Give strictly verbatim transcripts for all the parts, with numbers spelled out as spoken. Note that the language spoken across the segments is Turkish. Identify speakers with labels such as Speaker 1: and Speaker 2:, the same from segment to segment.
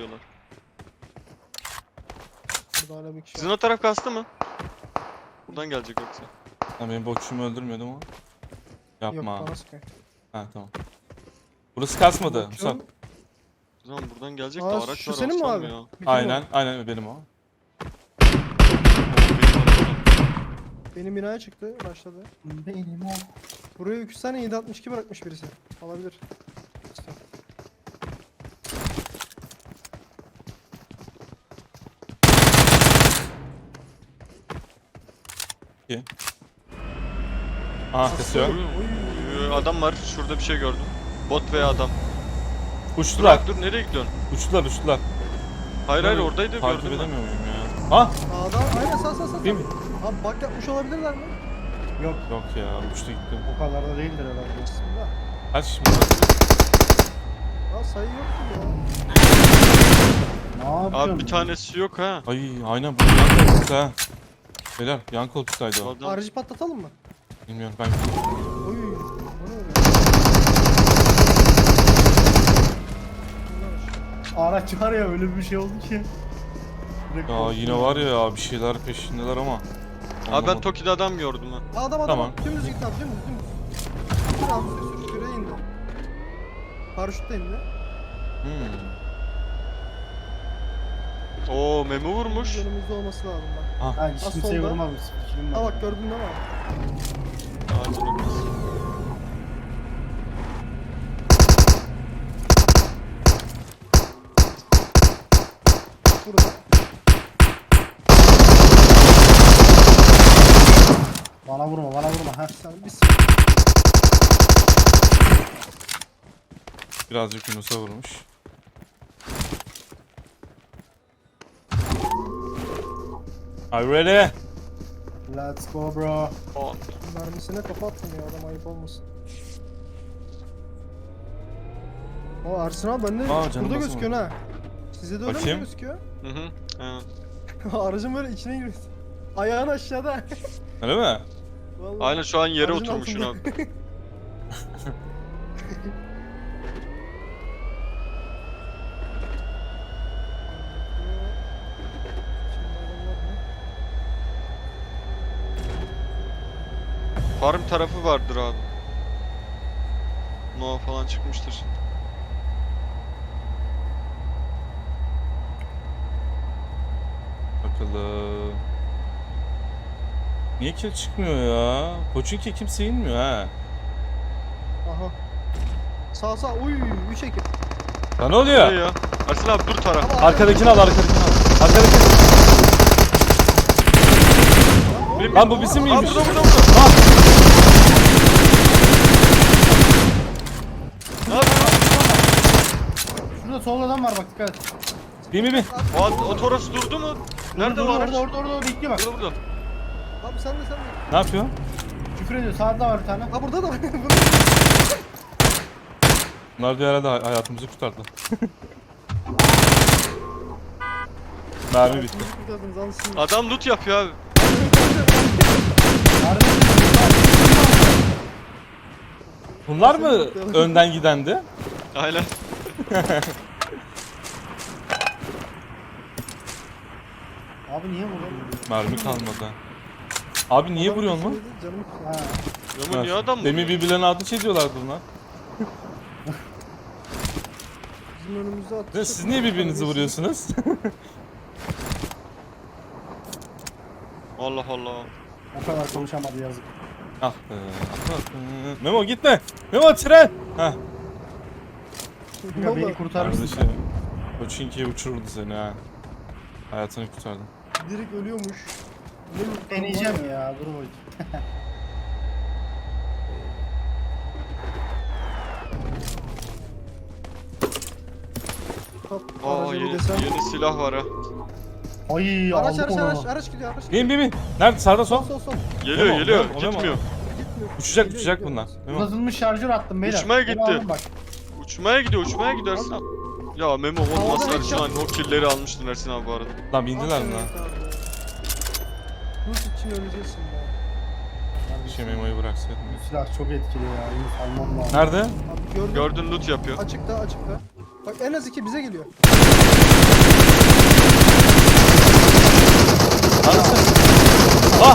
Speaker 1: buradalar.
Speaker 2: Burada hala bir kişi
Speaker 1: Sizin
Speaker 2: var.
Speaker 1: o taraf kastı mı? Buradan gelecek yoksa.
Speaker 3: Ha, benim bokçumu öldürmüyordu mu?
Speaker 2: Yok
Speaker 3: Yapma.
Speaker 2: bana sıkıyor.
Speaker 3: Ha tamam. Burası kasmadı Musab.
Speaker 2: Bakıyorum.
Speaker 1: O zaman buradan gelecek de
Speaker 2: Aa,
Speaker 1: araç
Speaker 2: şu
Speaker 1: var
Speaker 2: senin mi
Speaker 1: olsam
Speaker 2: abi?
Speaker 1: ya.
Speaker 2: Bizim o.
Speaker 3: Aynen, aynen benim o.
Speaker 1: Oo, benim aracım.
Speaker 2: Benim binaya çıktı başladı.
Speaker 4: Benim o.
Speaker 2: Buraya iki tane yedi altmış iki bırakmış birisi. Alabilir. İşte.
Speaker 3: Aha kesiyor.
Speaker 1: Uy, uy, Adam var. Şurada bir şey gördüm. Bot veya adam. Dur,
Speaker 3: Uçtular.
Speaker 1: dur nereye gidiyorsun?
Speaker 3: Uçtular uçtular.
Speaker 1: Hayır hayır oradaydı
Speaker 3: Takip
Speaker 1: gördüm ben.
Speaker 3: edemiyor muyum ya? Ha?
Speaker 2: Sağda aynen sağ sağ sağ.
Speaker 3: Değil mi?
Speaker 2: Abi bak yapmış olabilirler mi?
Speaker 4: Yok,
Speaker 3: Yok ya uçtu gitti.
Speaker 4: o kadar da değildir herhalde.
Speaker 2: Bismillah.
Speaker 3: Kaç şimdi?
Speaker 2: Aa sayı yok ki ya.
Speaker 4: Ne yapıyorsun?
Speaker 1: Abi bir tanesi yok ha.
Speaker 3: Ay aynen bu yan koltukta ha. Beyler yan koltuktaydı o.
Speaker 1: Adam.
Speaker 2: Aracı patlatalım mı?
Speaker 3: Bilmiyorum ben.
Speaker 2: Oy. O ne öyle?
Speaker 4: Araç var ya öyle bir şey oldu ki. Direkt
Speaker 3: Ya
Speaker 4: korktum.
Speaker 3: yine var ya bir şeyler peşindeler ama.
Speaker 1: Abi ben
Speaker 3: Anlamadım.
Speaker 1: Toki'de adam gördüm ha.
Speaker 2: Adam adam.
Speaker 3: Tamam.
Speaker 2: Dümdüz git abi dümdüz dümdüz. Sür abi sür sür şuraya indi. Paraşütle indi.
Speaker 3: Hmm.
Speaker 1: Oo Memo vurmuş.
Speaker 2: Önümüzde olması lazım bak.
Speaker 4: Ha hiç
Speaker 2: Az
Speaker 4: kimseye
Speaker 2: solda.
Speaker 4: vurmamış. Fikrim
Speaker 2: Ha
Speaker 4: var.
Speaker 2: bak gördün değil mi?
Speaker 1: Ağacın orası.
Speaker 2: Burada.
Speaker 4: Bana vurma bana vurma. Ha.
Speaker 2: Sen bir s-
Speaker 3: Birazcık Yunus'a vurmuş. Are you ready?
Speaker 4: Let's go bro.
Speaker 1: Aa,
Speaker 2: mermisine kafa attım ya adam ayıp olmasın. O Ersin abi bende
Speaker 3: Aa, canım
Speaker 2: burada
Speaker 3: basamadı.
Speaker 2: gözüküyor ha. Size de öyle mi
Speaker 3: Bakayım.
Speaker 2: gözüküyor?
Speaker 1: Hı hı. Aynen.
Speaker 2: Aracın böyle içine giriyor. Ayağın aşağıda.
Speaker 3: Öyle mi?
Speaker 2: Vallahi.
Speaker 1: Aynen şu an yere
Speaker 2: Aracın
Speaker 1: oturmuşsun
Speaker 2: altında.
Speaker 1: abi. Farm tarafı vardır abi. Nova falan çıkmıştır.
Speaker 3: Bakalım. Niye kill çıkmıyor ya? Koçinki kimse inmiyor ha.
Speaker 2: Aha. Sağ sağ uy üç ekip.
Speaker 3: Ya ne
Speaker 1: Ne
Speaker 3: oluyor?
Speaker 1: ya? Ersin abi dur taraf.
Speaker 2: Ama
Speaker 3: Arkadakini al arkadakini al. Arkadakini.
Speaker 1: Benim-
Speaker 3: Lan bu bizim
Speaker 1: Aa
Speaker 3: miymiş?
Speaker 1: burada burada burada.
Speaker 3: Lan!
Speaker 1: Ne yapıyorsun?
Speaker 4: Şurada solda adam var bak dikkat et.
Speaker 3: Bir mi bir?
Speaker 1: O, o Toros durdu mu? Nerede
Speaker 4: Orada,
Speaker 1: bu araç?
Speaker 4: Orada orada orada bekliyor bak.
Speaker 1: Burada burada.
Speaker 2: Abi sen de sen de.
Speaker 3: Ne yapıyor?
Speaker 4: Küfür ediyor sağda var bir tane.
Speaker 2: Ha burada da var. Burada.
Speaker 3: Bunlar diyor herhalde hay- hayatımızı kurtardı. Mermi bitti.
Speaker 2: Kurtardınız, alsın.
Speaker 1: Adam loot yapıyor abi.
Speaker 4: Kardeşim,
Speaker 3: Bunlar mı önden gidendi?
Speaker 1: Aynen.
Speaker 4: Abi niye vuruyor?
Speaker 3: Mermi kalmadı. Abi niye vuruyorsun lan?
Speaker 2: Canım.
Speaker 4: Ha.
Speaker 1: Memo niye adam
Speaker 3: Demin
Speaker 1: vuruyor?
Speaker 3: birbirlerine ateş ediyorlardı bunlar.
Speaker 2: Bizim önümüzde attı.
Speaker 3: Ne, siz niye birbirinizi vuruyorsunuz?
Speaker 1: Allah Allah.
Speaker 4: O kadar konuşamadı yazık.
Speaker 3: ah be. ah be. Memo gitme. Memo tren. Heh.
Speaker 2: Ne
Speaker 4: Ya
Speaker 2: oldu?
Speaker 4: beni kurtarmışsın.
Speaker 3: Kardeşim. Koçinki'ye uçururdu seni ha. Hayatını kurtardın.
Speaker 2: Direkt ölüyormuş. Ne-
Speaker 4: Deneyeceğim ya dur bakayım.
Speaker 2: Top,
Speaker 1: Aa
Speaker 2: araca bir
Speaker 1: yeni,
Speaker 2: desem.
Speaker 1: yeni silah var ha.
Speaker 4: Ay
Speaker 2: Araç
Speaker 4: aldık
Speaker 2: araç
Speaker 4: onu.
Speaker 2: araç araç gidiyor araç gidiyor.
Speaker 3: Bin bin bin. Nerede? Sağda sol.
Speaker 2: Sol sol sol.
Speaker 1: Geliyor
Speaker 3: Memo,
Speaker 1: geliyor.
Speaker 3: Memo, Memo.
Speaker 1: Gitmiyor.
Speaker 2: Gitmiyor.
Speaker 3: Uçacak
Speaker 2: Geliyor,
Speaker 3: uçacak
Speaker 2: gidiyor.
Speaker 3: bunlar. Memo.
Speaker 4: Uzatılmış şarjör attım beyler.
Speaker 1: Uçmaya
Speaker 4: Beni
Speaker 1: gitti.
Speaker 4: alın Bak.
Speaker 1: Uçmaya gidiyor uçmaya gidiyor Ersin abi. Ya Memo
Speaker 2: Havada
Speaker 1: olmasa
Speaker 2: headshot.
Speaker 1: Ersin abi o killleri almıştın Ersin abi bu arada.
Speaker 3: Lan bindiler mi
Speaker 2: Aferin
Speaker 3: lan?
Speaker 2: abi. Rus için öleceksin ya.
Speaker 3: Bir şey Memo'yu bıraksaydım.
Speaker 4: Bu silah çok etkili ya. Yunus almam lazım.
Speaker 3: Nerede?
Speaker 2: Abi gördüm.
Speaker 1: Gördün loot yapıyor.
Speaker 2: Açıkta açıkta. Bak en az iki bize geliyor.
Speaker 3: Anasını. Ah!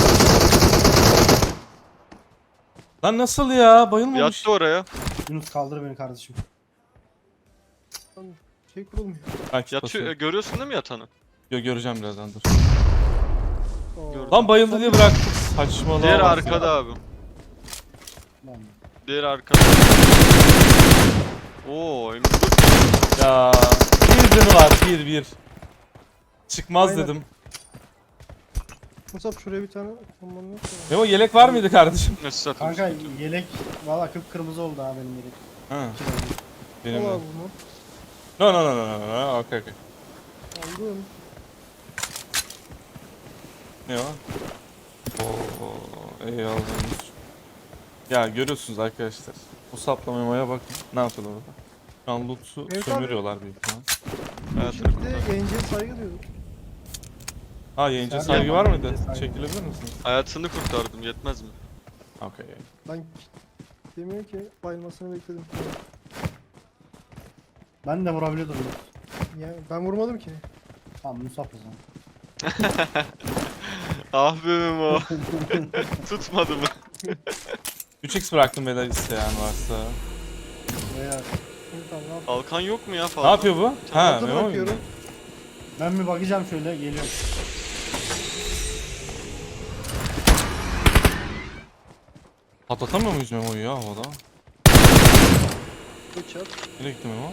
Speaker 3: Lan nasıl ya? Bayılmamış.
Speaker 1: Yattı oraya.
Speaker 4: Yunus kaldır beni kardeşim.
Speaker 2: Lan şey kurulmuyor.
Speaker 3: Ben kit
Speaker 1: Yatıyor.
Speaker 3: basıyorum.
Speaker 1: e, Görüyorsun değil mi yatanı?
Speaker 3: Yo, göreceğim birazdan dur.
Speaker 2: Oo.
Speaker 1: Gördüm.
Speaker 3: Lan bayıldı diye bıraktık. Saçmalama.
Speaker 1: Diğer
Speaker 3: bak.
Speaker 1: arkada abi.
Speaker 4: Lan.
Speaker 1: Diğer arkada. Oo, M dört.
Speaker 3: Ya bir canı var, bir bir. Çıkmaz
Speaker 2: Aynen.
Speaker 3: dedim.
Speaker 2: Musab şuraya bir tane bombanı yok mu?
Speaker 3: Memo yelek var mıydı kardeşim?
Speaker 1: Nasıl satayım?
Speaker 4: Kanka yelek valla kıpkırmızı oldu ha benim yelek.
Speaker 3: Ha,
Speaker 4: İki tane.
Speaker 3: benim
Speaker 2: Al
Speaker 3: de.
Speaker 2: abi bunu.
Speaker 3: No no no no no no. Okey okey.
Speaker 2: Aldım.
Speaker 3: Ne o? Oo, eyvallah. Ya görüyorsunuz arkadaşlar. Bu saplamaya bakın. Ne yapıyorlar orada? Şu an loot'u
Speaker 2: Evet abi.
Speaker 3: sömürüyorlar büyük ihtimal.
Speaker 1: Hayatını
Speaker 2: Şimdi
Speaker 1: kurtar.
Speaker 2: de yayıncıya saygı diyorduk.
Speaker 3: Ha yayıncı
Speaker 4: Sen
Speaker 3: saygı
Speaker 4: yapma,
Speaker 3: var mıydı?
Speaker 4: yayıncıya saygı.
Speaker 3: Çekilebilir misiniz?
Speaker 1: Hayatını kurtardım, yetmez mi?
Speaker 3: Okey.
Speaker 2: Ben demiyor ki bayılmasını bekledim.
Speaker 4: Ben de vurabiliyordum. Yunus.
Speaker 2: Yani ben vurmadım ki.
Speaker 4: Tamam Musab o zaman.
Speaker 1: Ah be Memo. Tutmadı mı?
Speaker 3: üç x bıraktım beyler isteyen varsa.
Speaker 4: Veya
Speaker 2: Şimdi tamam ne yapayım?
Speaker 1: Kalkan yok mu ya fazla?
Speaker 3: Ne yapıyor bu? Ha,
Speaker 2: Altı
Speaker 3: Memo mu?
Speaker 2: bırakıyorum.
Speaker 4: ben bir bakacağım şöyle geliyorum.
Speaker 3: Patlatamıyor muyuz Memo'yu ya havada?
Speaker 2: Bıçak.
Speaker 3: Nereye gitti Memo?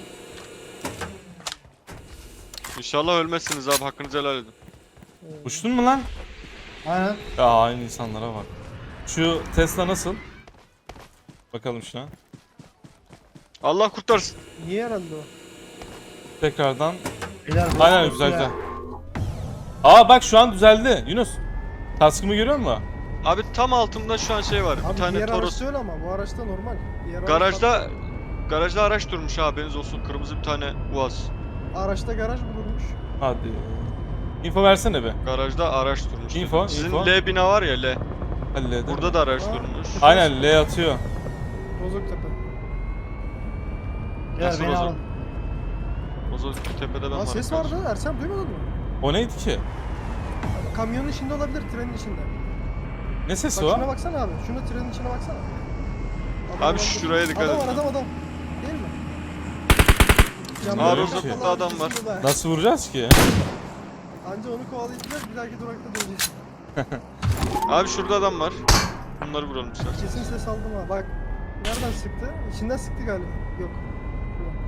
Speaker 1: İnşallah ölmezsiniz abi, hakkınızı helal edin.
Speaker 2: Ee,
Speaker 3: Uçtun mu lan?
Speaker 4: Aynen.
Speaker 3: Ya aynı insanlara bak. Şu Tesla nasıl? Bakalım şuna.
Speaker 1: Allah kurtarsın.
Speaker 2: Niye herhalde o?
Speaker 3: Tekrardan.
Speaker 4: Beyler,
Speaker 3: Aynen
Speaker 4: bu-
Speaker 3: güzel
Speaker 4: ya.
Speaker 3: güzel. Aa bak şu an düzeldi Yunus. Kaskımı görüyor musun?
Speaker 1: Abi tam altımda şu an şey var.
Speaker 2: Abi
Speaker 1: bir tane
Speaker 2: diğer
Speaker 1: Toros.
Speaker 2: araçta öyle ama bu araçta normal. Diğer araç
Speaker 1: Garajda garajda araç durmuş abi, haberiniz olsun. Kırmızı bir tane Uaz.
Speaker 2: Araçta garaj bulunmuş.
Speaker 3: Hadi. Info versene be.
Speaker 1: Garajda araç durmuş.
Speaker 3: Info,
Speaker 1: Sizin
Speaker 3: info.
Speaker 1: L bina var ya, L.
Speaker 3: Halledim.
Speaker 1: Burada da araç
Speaker 2: Aa.
Speaker 1: durmuş.
Speaker 3: Aynen L atıyor.
Speaker 2: Rozoktepe.
Speaker 4: Beyler
Speaker 1: Nasıl
Speaker 4: beni
Speaker 1: o
Speaker 4: alın.
Speaker 1: O zaman tepede ben
Speaker 2: Aa
Speaker 1: varım.
Speaker 2: ses
Speaker 1: kardeşim.
Speaker 2: vardı. Ersem duymadın mı?
Speaker 3: O neydi ki?
Speaker 2: Kamyonun içinde olabilir, trenin içinde.
Speaker 3: Ne sesi
Speaker 2: Bak
Speaker 3: o?
Speaker 2: şuna baksana abi. Şuna trenin içine baksana.
Speaker 1: Abi
Speaker 2: var
Speaker 1: şuraya
Speaker 2: burada.
Speaker 1: dikkat
Speaker 2: adam
Speaker 1: edin.
Speaker 2: Adam var adam Değil mi?
Speaker 3: Aa,
Speaker 2: Yanında
Speaker 3: Rozoktepe'de
Speaker 2: kafalar
Speaker 1: adam var.
Speaker 2: ikisinde de.
Speaker 3: Nasıl vuracağız ki?
Speaker 2: Anca onu kovalayacağız, bir dahaki durakta döneceğiz.
Speaker 1: Abi şurada adam var. Bunları vuralım istersen.
Speaker 2: Kesin ses aldım ha. Bak. Nereden sıktı? İçinden sıktı galiba. Yok. Şuradan.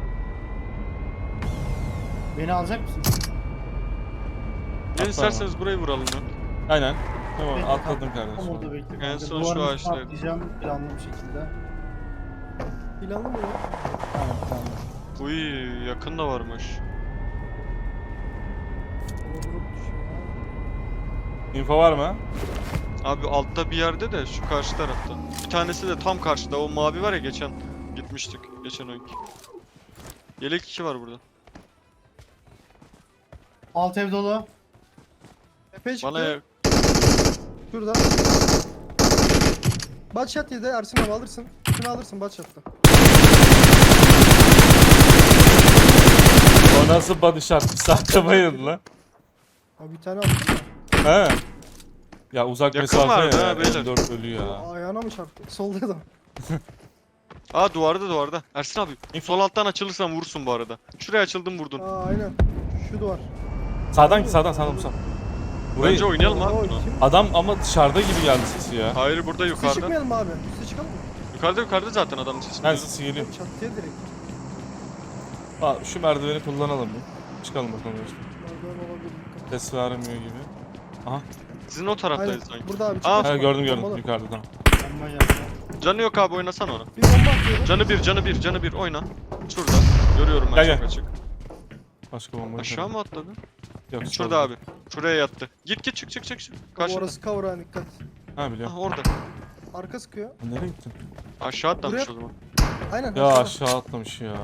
Speaker 4: Beni alacak mısın?
Speaker 1: Gelin
Speaker 3: Atla
Speaker 1: isterseniz burayı vuralım ya.
Speaker 3: Aynen. Tamam
Speaker 4: Bekle,
Speaker 3: atladım
Speaker 4: Tam
Speaker 3: kardeşim.
Speaker 4: orada bekle.
Speaker 1: En
Speaker 4: kanka.
Speaker 1: son şu
Speaker 4: Duvarın üstüne
Speaker 1: ağaçtaydı.
Speaker 4: atlayacağım planlı bir şekilde.
Speaker 2: Planlı mı ya?
Speaker 4: Aynen planlı.
Speaker 1: Uy, yakın da varmış.
Speaker 2: Vurup düşüyor.
Speaker 3: Info var mı?
Speaker 1: Abi altta bir yerde de, şu karşı tarafta. Bir tanesi de tam karşıda. O mavi var ya, geçen gitmiştik. Geçen oyunki. Yelek iki var burada.
Speaker 4: Alt ev dolu.
Speaker 2: Epey çıktı.
Speaker 1: Bana ya-
Speaker 2: Şurada. Batshot yedi. Ersin abi alırsın. Şunu alırsın Batshot'ta.
Speaker 3: O nasıl body shot? Bir saatte bayıldı lan.
Speaker 2: Abi bir tane attım
Speaker 3: He. Ya uzak
Speaker 1: Yakın
Speaker 3: mesafe
Speaker 1: vardı
Speaker 3: ya.
Speaker 1: ha, beyler.
Speaker 3: dört ölüyor
Speaker 2: ya.
Speaker 3: ya.
Speaker 2: Ayağına mı çarptı? Solda da.
Speaker 1: Aa, duvarda duvarda. Ersin abi, sol alttan açılırsan vurursun bu arada. Şuraya açıldın, vurdun.
Speaker 2: Aa aynen. Şu duvar.
Speaker 3: Sağdan sağdan sağdan sağdan. Burayı
Speaker 1: Bence oynayalım abi
Speaker 2: Oo,
Speaker 1: bunu.
Speaker 2: kim?
Speaker 3: adam ama dışarıda gibi geldi sesi ya.
Speaker 1: Hayır, burada
Speaker 2: Üste
Speaker 1: yukarıda.
Speaker 2: çıkmayalım mı abi? Üste çıkalım mı?
Speaker 1: Yukarıda yukarıda zaten adamın sesi.
Speaker 3: Ben sesi geliyor.
Speaker 2: Çatıya direkt.
Speaker 3: Ha, şu merdiveni kullanalım bir. Çıkalım bakalım. işte.
Speaker 2: Merdiven olabilir.
Speaker 3: Ses vermiyor gibi. Aha.
Speaker 1: Sizin o
Speaker 2: Aynen.
Speaker 1: taraftayız sanki.
Speaker 2: Burada abi.
Speaker 1: Aa,
Speaker 2: çıkma,
Speaker 3: Ha,
Speaker 2: çıkma.
Speaker 3: gördüm gördüm
Speaker 2: Bombalı.
Speaker 3: yukarıda tamam.
Speaker 4: Bomba geldi.
Speaker 1: Canı yok abi, oynasana onu.
Speaker 2: Bir bomba atıyorum.
Speaker 1: Canı bir, canı bir, canı bir, oyna. Şurada. Görüyorum ben
Speaker 3: Gel,
Speaker 1: çok
Speaker 3: gel.
Speaker 1: açık.
Speaker 3: Başka bomba.
Speaker 1: Aşağı mı atladı?
Speaker 3: Yok.
Speaker 1: Şurada
Speaker 3: solda.
Speaker 1: abi. Şuraya yattı. Git git, çık çık çık çık.
Speaker 2: Bu
Speaker 1: Karşıda.
Speaker 2: orası cover ha, dikkat.
Speaker 3: Ha biliyorum.
Speaker 1: Ah, orada.
Speaker 2: Arka sıkıyor.
Speaker 3: Nereye gittin?
Speaker 1: Aşağı atlamış
Speaker 2: Buraya-
Speaker 1: o zaman.
Speaker 2: Aynen.
Speaker 3: Ya
Speaker 2: aşağıda.
Speaker 3: aşağı atlamış ya.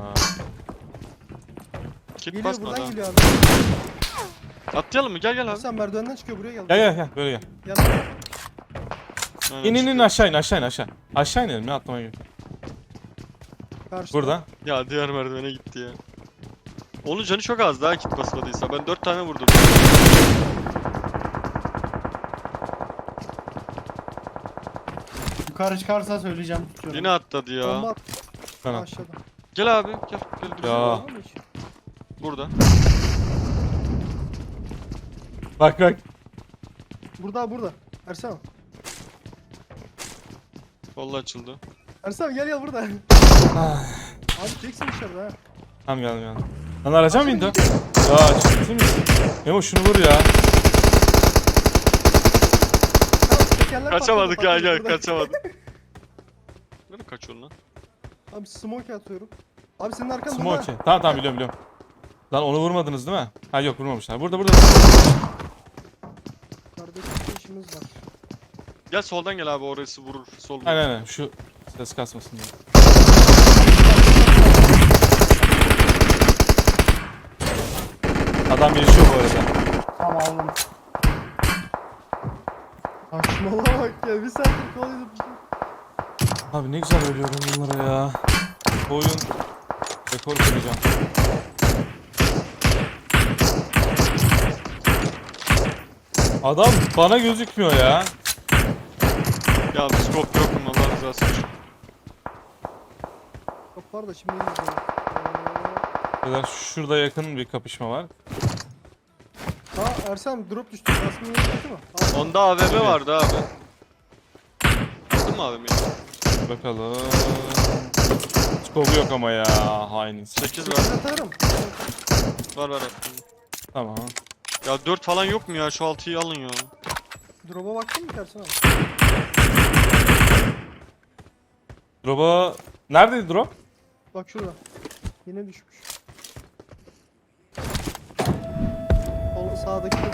Speaker 1: Kit
Speaker 2: Geliyor
Speaker 1: basma
Speaker 2: buradan
Speaker 1: daha.
Speaker 2: geliyor abi.
Speaker 1: Atlayalım mı? Gel gel abi.
Speaker 2: Sen merdivenden çıkıyor buraya gel.
Speaker 3: Gel gel gel böyle gel.
Speaker 2: Gel.
Speaker 1: Aynen,
Speaker 3: İn in in
Speaker 1: çıkıyor.
Speaker 3: aşağı in aşağı in aşağı. Aşağı inelim ya atlamaya gerek.
Speaker 2: Karşıda.
Speaker 3: Burada.
Speaker 1: Ya diğer merdivene gitti ya. Onun canı çok az daha kit basmadıysa. Ben dört tane vurdum.
Speaker 4: Yukarı çıkarsa söyleyeceğim, tutuyorum.
Speaker 1: Yine atladı ya.
Speaker 2: Bomba at
Speaker 3: Tamam.
Speaker 2: aşağıda.
Speaker 1: Gel abi gel. Gel dur.
Speaker 3: Ya.
Speaker 2: Var mı hiç?
Speaker 1: Burada.
Speaker 3: Bak bak.
Speaker 2: Burada burada. Ersem.
Speaker 1: Vallahi açıldı.
Speaker 2: Ersem gel gel burada.
Speaker 3: Ah,
Speaker 2: Abi çeksin dışarıda ha.
Speaker 3: tamam geldim geldim. Lan araca mı indi? Ya ciddi misin? Memo şunu vur ya.
Speaker 2: Tamam, tekerler
Speaker 1: Kaçamadık
Speaker 2: patladı,
Speaker 1: ya
Speaker 2: patladı
Speaker 1: gel
Speaker 2: burada.
Speaker 1: kaçamadık. Nereye kaçıyorsun lan?
Speaker 2: Abi smoke atıyorum. Abi senin arkanda
Speaker 3: Smokey. Tamam tamam biliyorum biliyorum. Lan onu vurmadınız değil mi? Ha yok vurmamışlar. Burada burada.
Speaker 2: Kardeşim işimiz var.
Speaker 1: Gel soldan gel abi orası vurur. Sol vurur.
Speaker 3: Aynen aynen şu ses kasmasın diye. Adam yaşıyor bu arada.
Speaker 4: Tamam aldım.
Speaker 2: Saçmalama bak ya bir saattir kovalıyordum.
Speaker 3: Abi ne güzel ölüyorum bunlara ya. Bu oyun rekor kıracağım. Adam bana gözükmüyor ya.
Speaker 1: Ya bir scope yok mu Allah rızası için.
Speaker 2: Kapar da şimdi iyiyiz ya.
Speaker 3: Kadar şurada yakın bir kapışma var.
Speaker 2: Ha Ersem drop düştü. Basmanın kötü mü? Al.
Speaker 1: Onda A V M vardı abi. Aldın mı A V M'yi?
Speaker 3: Bakalım. Skobu yok ama ya hain.
Speaker 1: sekiz var.
Speaker 2: sekiz atarım.
Speaker 1: Var var attım.
Speaker 3: Tamam.
Speaker 1: Ya dört falan yok mu ya? Şu altıyı alın ya.
Speaker 2: Drop'a baktın mı Ersem abi?
Speaker 3: Drop'a... Neredeydi drop?
Speaker 2: Bak şurada. Yine düşmüş. Sol sağdaki de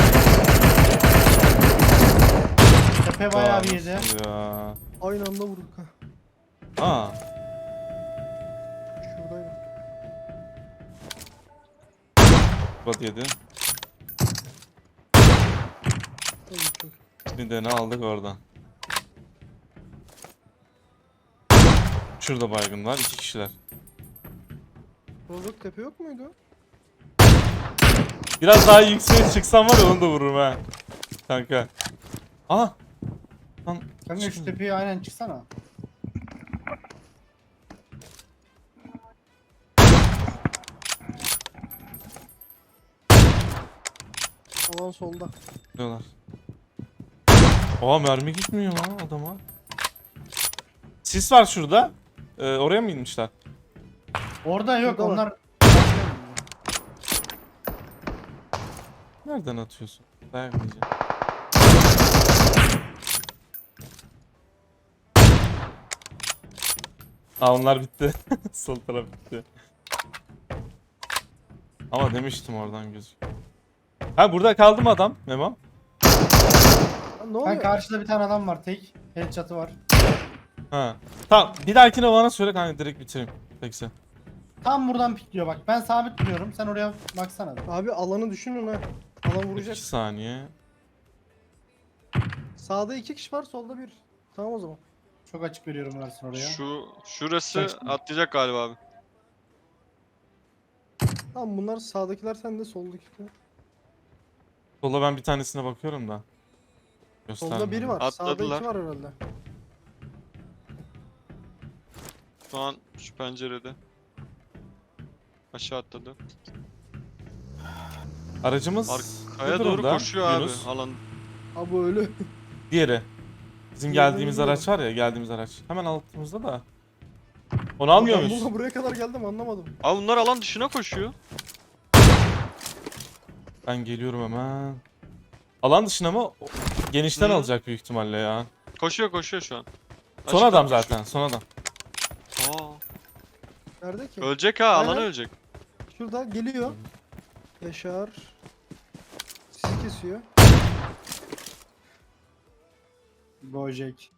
Speaker 4: Tepe bayağı bir
Speaker 3: Aa,
Speaker 4: yedi.
Speaker 3: nasıl ya?
Speaker 2: aynı anda vurduk ha.
Speaker 3: Aa.
Speaker 2: Şuradaydı.
Speaker 3: Bot yedi.
Speaker 2: Tabii çok.
Speaker 3: Bir de ne aldık oradan. Şurada baygın var. iki kişiler.
Speaker 2: Rozok tepe yok muydu?
Speaker 3: Biraz daha yükseğe çıksam var ya onu da vururum ha. Kanka. Aa. Lan.
Speaker 4: Kanka şu tepeye aynen çıksana.
Speaker 2: Alan solda.
Speaker 3: Diyorlar. Aa mermi gitmiyor lan adama. Sis var şurada. Ee, oraya mı inmişler?
Speaker 4: Orada yok
Speaker 2: Şurada var.
Speaker 4: onlar.
Speaker 3: Nereden atıyorsun? Dayak yiyeceğim. Aa onlar bitti. Sol taraf bitti. Ama demiştim oradan gözüküyor. Ha burada kaldı mı adam Memo?
Speaker 2: Lan ne
Speaker 4: Ben
Speaker 2: oluyor?
Speaker 4: karşıda bir tane adam var tek. Headshot'ı var.
Speaker 3: Ha. Tamam bir dahakine bana söyle kanka direkt bitireyim. Peki.
Speaker 4: Tam buradan pikliyor bak. Ben sabit duruyorum. Sen oraya baksana.
Speaker 2: Abi alanı düşünün ha. Alan vuracak.
Speaker 3: iki saniye.
Speaker 2: Sağda iki kişi var, solda bir. Tamam o zaman.
Speaker 4: Çok açık veriyorum versin oraya.
Speaker 1: Şu şurası
Speaker 4: Seksin.
Speaker 1: atlayacak galiba abi.
Speaker 2: Tamam bunlar sağdakiler sende, soldakiler.
Speaker 3: Sola ben bir tanesine bakıyorum da.
Speaker 2: Solda
Speaker 3: Göstermiyor.
Speaker 2: biri var. Sağda
Speaker 1: Atladılar.
Speaker 2: iki var herhalde.
Speaker 1: Şu an şu pencerede. Aşağı atladı.
Speaker 3: Aracımız
Speaker 1: Arkaya
Speaker 3: bu
Speaker 1: doğru
Speaker 3: durumda,
Speaker 1: koşuyor abi.
Speaker 3: Yunus.
Speaker 1: Alan.
Speaker 2: Abi öyle.
Speaker 3: Diğeri. Bizim
Speaker 2: Diğerini
Speaker 3: geldiğimiz
Speaker 2: bilmiyorum.
Speaker 3: araç var ya, geldiğimiz araç. Hemen altımızda da. Onu almıyor
Speaker 2: Ben
Speaker 3: muyuz?
Speaker 2: bununla buraya kadar geldim, anlamadım.
Speaker 1: Abi bunlar alan dışına koşuyor.
Speaker 3: Ben geliyorum hemen. Alan dışına mı? O- Genişten
Speaker 1: Hı.
Speaker 3: alacak büyük ihtimalle ya.
Speaker 1: Koşuyor koşuyor şu an.
Speaker 3: Son
Speaker 1: Açıktan
Speaker 3: adam
Speaker 1: koşuyor.
Speaker 3: zaten, son adam.
Speaker 1: Aa,
Speaker 2: Nerede ki?
Speaker 1: ölecek ha, alan
Speaker 2: Aynen.
Speaker 1: ölecek.
Speaker 2: Şurada geliyor. Yaşar. Sizi kesiyor.
Speaker 4: Gojek.